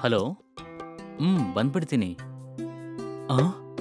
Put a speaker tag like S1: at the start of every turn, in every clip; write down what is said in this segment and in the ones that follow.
S1: Hello. ಬಂದ್ಬಿಡ್ತೀನಿ. ಆ?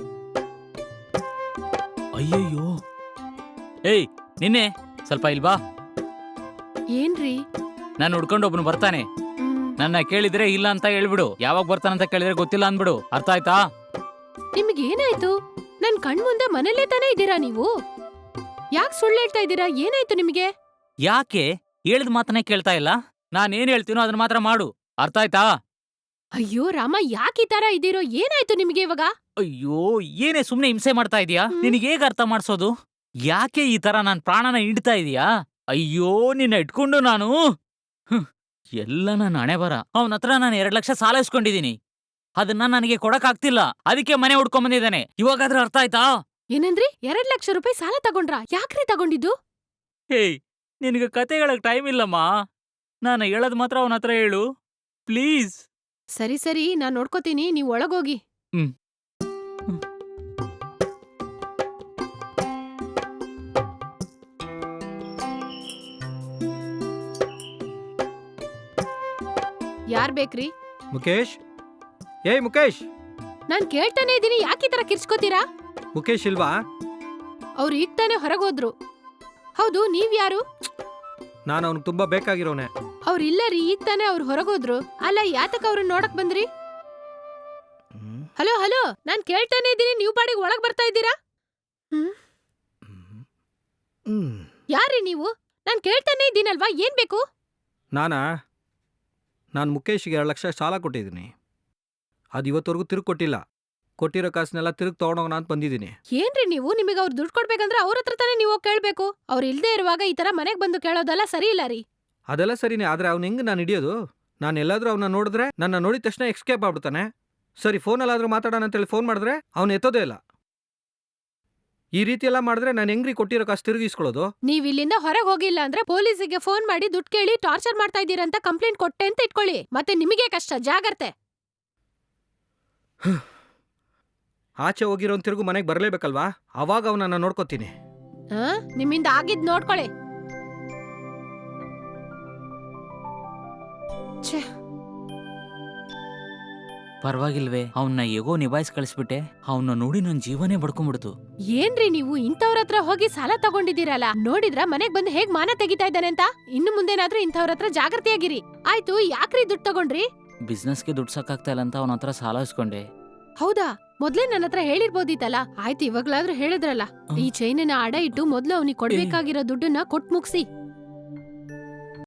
S1: ಅಯ್ಯಯ್ಯೋ. ಏಯ್ ನಿನ್ನೆ ಸ್ವಲ್ಪ ಇಲ್ವಾ?
S2: ಏನ್ರಿ?
S1: ನಾನು ಹುಡ್ಕೊಂಡು ಒಬ್ನು ಬರ್ತಾನೆ.
S2: ಹ್ಮ್.
S1: ನನ್ನ ಕೇಳಿದ್ರೆ ಇಲ್ಲ ಅಂತ ಹೇಳ್ಬಿಡು. ಯಾವಾಗ ಬರ್ತಾನಂತ ಕೇಳಿದ್ರೆ ಗೊತ್ತಿಲ್ಲ ಅಂದ್ಬಿಡು. ಅರ್ಥ ಆಯ್ತಾ?
S2: ನಿಮ್ಗೇನಾಯ್ತು? ನನ್ ಕಣ್ ಮುಂದೆ ಮನೇಲೇ ತಾನೇ ಇದ್ದೀರಾ ನೀವು? ಯಾಕ್ ಸುಳ್ಳು ಹೇಳ್ತಾ ಇದ್ದೀರಾ? ಏನಾಯ್ತು ನಿಮ್ಗೆ?
S1: ಯಾಕೆ ಹೇಳಿದ ಮಾತನ್ನೇ ಕೇಳ್ತಾ ಇಲ್ಲ? ನಾನೇನ್ ಹೇಳ್ತೀನೋ ಅದನ್ನ ಮಾತ್ರ ಮಾಡು. ಅರ್ಥ ಆಯ್ತಾ?
S2: ಅಯ್ಯೋ ರಾಮ, ಯಾಕ್ ಈ ತರ ಇದ್ದೀರೋ? ಏನಾಯ್ತು ನಿಮ್ಗೆ ಇವಾಗ?
S1: ಅಯ್ಯೋ, ಏನೇ ಸುಮ್ನೆ ಹಿಂಸೆ ಮಾಡ್ತಾ ಇದೀಯಾ?
S2: ಹ್ಮ್.
S1: ನಿನಗೆ ಹೇಗ್ ಅರ್ಥ ಮಾಡ್ಸೋದು? ಯಾಕೆ ಈ ತರ ನನ್ ಪ್ರಾಣನ ಹಿಡ್ತಾ ಇದೀಯಾ? ಅಯ್ಯೋ, ನಿನ್ನ ಇಟ್ಕೊಂಡು ನಾನು ಎಲ್ಲ ನನ್ನ ಹಣೆ ಬರ. ಅವನ ಹತ್ರ ನಾನು 2 ಲಕ್ಷ ಸಾಲ ಇಸ್ಕೊಂಡಿದೀನಿ. ಅದನ್ನ ನನಗೆ ಕೊಡಕ್ಕಾಗ್ತಿಲ್ಲ. ಅದಕ್ಕೆ ಮನೆ ಹುಡ್ಕೊಂಡ್ ಬಂದಿದ್ದಾನೆ. ಇವಾಗಾದ್ರೂ ಅರ್ಥ ಆಯ್ತಾ?
S2: ಏನಂದ್ರಿ? 2 ಲಕ್ಷ ರೂಪಾಯಿ ಸಾಲ ತಗೊಂಡ್ರಾ? ಯಾಕ್ರಿ ತಗೊಂಡಿದ್ದು?
S1: ಹೇಯ್, ನಿನಗೆ ಕತೆ ಹೇಳಕ್ ಟೈಮ್ ಇಲ್ಲಮ್ಮ. ನಾನು ಹೇಳದ್ ಮಾತ್ರ ಅವನ ಹತ್ರ ಹೇಳು ಪ್ಲೀಸ್.
S2: ಸರಿ ಸರಿ, ನಾನ್ ನೋಡ್ಕೋತೀನಿ, ನೀವ್ ಒಳಗೋಗಿ.
S1: ಹ್ಮ್.
S2: ಯಾರ್ ಬೇಕ್ರಿ?
S3: ಮುಖೇಶ್, ಏಯ್ ಮುಖೇಶ್.
S2: ನಾನ್ ಕೇಳ್ತಾನೆ ಇದೀನಿ, ಯಾಕ್ ಈ ತರ ಕಿರ್ಚ್ಕೋತೀರಾ?
S3: ಮುಖೇಶ್ ಇಲ್ವಾ?
S2: ಅವ್ರು ಈಗ ತಾನೇ ಹೊರಗೋದ್ರು. ಹೌದು, ನೀವ್ ಯಾರು?
S3: ನಾನು ಅವ್ನಿಗೆ ತುಂಬಾ ಬೇಕಾಗಿರೋನೆ.
S2: ಅವ್ರು ಇಲ್ಲ ರೀ, ಈಗ ತಾನೇ ಅವ್ರು ಹೊರಗೋದ್ರು. ಅಲ್ಲ, ಯಾತಕ್ ಅವ್ರನ್ನ ನೋಡಕ್ ಬಂದ್ರಿ? ಹಲೋ ಹಲೋ, ನಾನ್ ಕೇಳ್ತಾನೆ ಇದೀನಿ, ನೀವ್ ಪಾಡಿಗೆ ಒಳಗ್ ಬರ್ತಾ ಇದ್ದೀರಾ? ಯಾರ್ರೀ ನೀವು? ನಾನ್ ಕೇಳ್ತಾನೆ ಇದ್ದೀನಲ್ವಾ, ಏನ್ ಬೇಕು?
S3: ನಾನು ಮುಖೇಶ್ಗೆ 2 ಲಕ್ಷ ಸಾಲ ಕೊಟ್ಟಿದ್ದೀನಿ. ಅದು ಇವತ್ತವರೆಗೂ ತಿರುಗಿ ಕೊಟ್ಟಿಲ್ಲ. ಕೊಟ್ಟಿರೋ ಕಾಸನ್ನೆಲ್ಲ ತಿರುಗಿ ತಗೊಂಡೋಗೋಣ ಅಂತ ಬಂದಿದ್ದೀನಿ.
S2: ಏನ್ರಿ ನೀವು? ನಿಮಗೆ ಅವ್ರು ದುಡ್ಡು ಕೊಡ್ಬೇಕಂದ್ರೆ ಅವ್ರ ಹತ್ರ ತಾನೇ ನೀವು ಹೋಗ್ ಕೇಳ್ಬೇಕು. ಅವ್ರು ಇಲ್ದೇ ಇರುವಾಗ ಈ ತರ ಮನೆಗ್ ಬಂದು ಕೇಳೋದೆಲ್ಲ ಸರಿ ಇಲ್ಲ ರೀ.
S3: ಅದೆಲ್ಲ ಸರಿನೇ, ಆದ್ರೆ ಅವ್ನು ಹೆಂಗೆ ನಾನು ಹಿಡಿಯೋದು? ನಾನು ಎಲ್ಲಾದ್ರೂ ಅವನ್ನ ನೋಡಿದ್ರೆ ನನ್ನ ನೋಡಿದ ತಕ್ಷಣ ಎಕ್ಸ್ಕೇಪ್ ಆಗ್ಬಿಡ್ತಾನೆ. ಸರಿ, ಫೋನಲ್ಲಾದ್ರೂ ಮಾತಾಡೋಣ ಅಂತೇಳಿ ಫೋನ್ ಮಾಡಿದ್ರೆ ಅವ್ನು ಎತ್ತೋದೇ ಇಲ್ಲ. ಈ ರೀತಿ ಎಲ್ಲ ಮಾಡಿದ್ರೆ ನಾನು ಹೆಂಗ್ರಿ ಕೊಟ್ಟಿರೋ ಕಾಸು ತಿರುಗಿಸ್ಕೊಳ್ಳೋದು?
S2: ನೀವ್ ಇಲ್ಲಿಂದ ಹೊರಗೆ ಹೋಗಿಲ್ಲ ಅಂದ್ರೆ ಪೊಲೀಸಿಗೆ ಫೋನ್ ಮಾಡಿ ದುಡ್ಡು ಕೇಳಿ ಟಾರ್ಚರ್ ಮಾಡ್ತಾ ಇದ್ದೀರಂತ ಕಂಪ್ಲೇಂಟ್ ಕೊಟ್ಟೆ ಅಂತ ಇಟ್ಕೊಳ್ಳಿ. ಮತ್ತೆ ನಿಮಗೆ ಕಷ್ಟ, ಜಾಗ್ರತೆ.
S3: ಆಚೆ ಹೋಗಿರೋನ್ ತಿರುಗು ಮನೆಗೆ ಬರಲೇಬೇಕಲ್ವಾ? ಅವಾಗ ಅವನನ್ನ ನೋಡ್ಕೋತೀನಿ.
S2: ನಿಮ್ಮಿಂದ ಆಗಿದ್ ನೋಡ್ಕೊಳ್ಳಿ.
S1: ಪರವಾಗಿಲ್ವೇ, ಅವನ್ನ ಹೇಗೋ ನಿಭಾಯಿಸಿ ಕಳಿಸ್ಬಿಟ್ಟೆ. ಅವನ್ನ ನೋಡಿ ನನ್ ಜೀವನೇ ಬಡ್ಕೊಂಡ್ಬಿಡ್ತು.
S2: ಏನ್ರಿ ನೀವು ಇಂಥವ್ರ ಹತ್ರ ಹೋಗಿ ಸಾಲ ತಗೊಂಡಿದ್ದೀರಲ್ಲ? ನೋಡಿದ್ರ ಮನೆಗ್ ಬಂದು ಹೇಗ್ ಮಾನ ತೆಗಿತಾ ಇದ್ದಾನೆ ಅಂತ. ಇನ್ನು ಮುಂದೇನಾದ್ರೂ ಇಂಥವ್ರ ಹತ್ರ ಜಾಗ್ರತೆಯಾಗಿರಿ. ಆಯ್ತು, ಯಾಕ್ರಿ ದುಡ್ಡು ತಗೊಂಡ್ರಿ?
S1: ಬಿಸ್ನೆಸ್ಗೆ ದುಡ್ಡು ಸಾಕಾಗ್ತಾ ಇಲ್ಲ ಅಂತ ಅವನ ಹತ್ರ ಸಾಲ ಇಸ್ಕೊಂಡೆ.
S2: ಹೌದಾ? ಮೊದ್ಲೇ ನನ್ನ ಹತ್ರ ಹೇಳಿರ್ಬೋದಿತ್ತಲ್ಲ. ಆಯ್ತು, ಇವಾಗ್ಲಾದ್ರೂ ಹೇಳಿದ್ರಲ್ಲ. ಈ ಚೈನನ್ನ ಅಡ ಇಟ್ಟು ಮೊದ್ಲು ಅವ್ನಿಗೆ ಕೊಡ್ಬೇಕಾಗಿರೋ ದುಡ್ಡನ್ನ ಕೊಟ್ ಮುಗ್ಸಿ.